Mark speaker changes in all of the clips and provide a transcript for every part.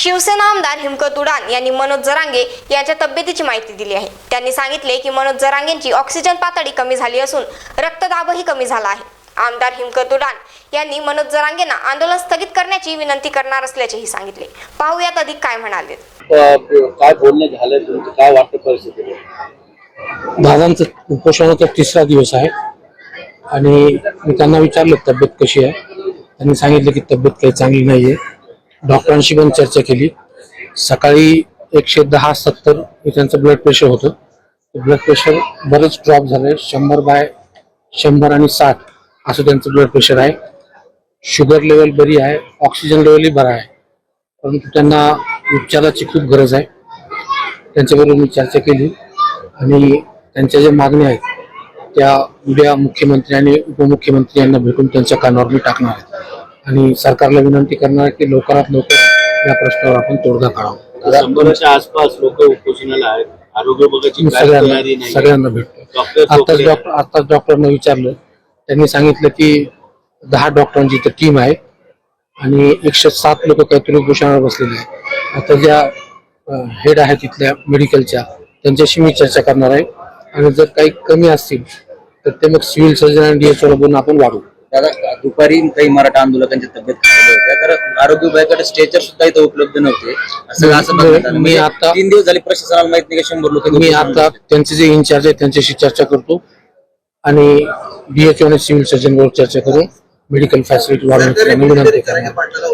Speaker 1: शिवसेना आमदार हिमकत उडान यांनी मनोज जरांगे यांच्या तब्येतीची माहिती दिली आहे। त्यांनी सांगितले की मनोज जरांगेंची ऑक्सिजन पातळी कमी झाली असून रक्तदाबही कमी झाला आहे। आमदार हिमकत उडान यांनी मनोज जरांगेंना आंदोलन स्थगित करण्याची विनंती करणार असल्याचेही सांगितले। पाहूयात अधिक काय म्हणाले।
Speaker 2: काय बोलणं झालं तुमचं, काय वाटतं परिस्थिती?
Speaker 3: दादांचं उपोषणाचा 3रा दिवस आहे आणि मी त्यांना विचारलं तब्येत कशी आहे। त्यांनी सांगितलं की तब्येत काही चांगली नाहीये। डॉक्टरांशी पण चर्चा केली। सकाळी 110/70 हे त्यांचं ब्लड प्रेशर होतं। ब्लड प्रेशर बरेच ड्रॉप झालंय। 100/100 आणि 60 असं त्यांचं ब्लड प्रेशर आहे। शुगर लेवल बरी आहे, ऑक्सिजन लेवलही बरा आहे, परंतु त्यांना उपचाराची खूप गरज आहे। त्यांच्याबरोबर मी चर्चा केली आणि त्यांच्या ज्या मागण्या आहेत त्या उद्या मुख्यमंत्री आणि उपमुख्यमंत्री यांना भेटून त्यांच्या कानावर मी टाकणार आहे आणि सरकारला विनंती करणार आहे की लवकरात लवकर या प्रश्नावर आपण तोडगा काढावा।
Speaker 2: 100च्या आसपास लोक उपोषणाला आहेत। आरोग्य विभागाची
Speaker 3: सगळ्यांना भेटतो। आताच डॉक्टरांना विचारलं, त्यांनी सांगितलं की 10 डॉक्टरांची तर टीम आहे आणि 107 लोक काहीतरी उपोषणावर बसलेले आहेत। आता ज्या हेड आहेत तिथल्या मेडिकलच्या त्यांच्याशी मी चर्चा करणार आहे आणि जर काही कमी असतील तर ते मग सिव्हिल सर्जन आणि DHO बोलून आपण वाढवू।
Speaker 4: दादा, दुपारी काही मराठा आंदोलकांच्या तब्येत खराब होत्या, तर आरोग्य विभागाकडे स्ट्रेचर सुद्धा इथं उपलब्ध नव्हते। मी आता 3 दिवस झाले प्रशासनाला माहित नाही का 100 लोक।
Speaker 3: मी आता त्यांचे जे इन्चार्ज आहेत त्यांच्याशी चर्चा करतो आणि DHO आणि सिव्हिल सर्जन बरोबर चर्चा करून मेडिकल फॅसिलिटी वाढवण्याची विनंती करणार।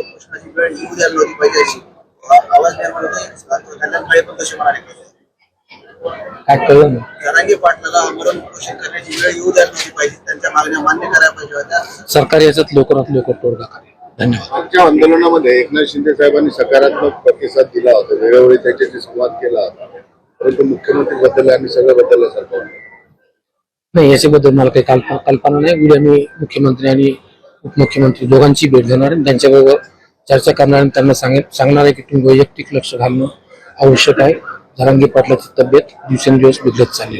Speaker 3: काय कळलं सरकार याच्यात लवकरात लवकर तोडगा काढेल। धन्यवाद।
Speaker 5: आमच्या आंदोलनामध्ये एकनाथ शिंदे साहेबांनी सकारात्मक प्रतिसाद दिला होता, वेळोवेळी त्याच्याशी संवाद केला होता, परंतु मुख्यमंत्री बदलले आणि सगळं बदललं सरकार
Speaker 3: नाही, याच्याबद्दल मला काही कल्पना नाही। उद्या मी मुख्यमंत्री आणि उपमुख्यमंत्री दोघांची भेट घेणार आणि त्यांच्याबरोबर चर्चा करणार आणि त्यांना सांगणार आहे की तुम्ही वैयक्तिक लक्ष घालणं आवश्यक आहे। जरांगे पाटलाची तब्येत दिवसेंदिवस बिघडत चालली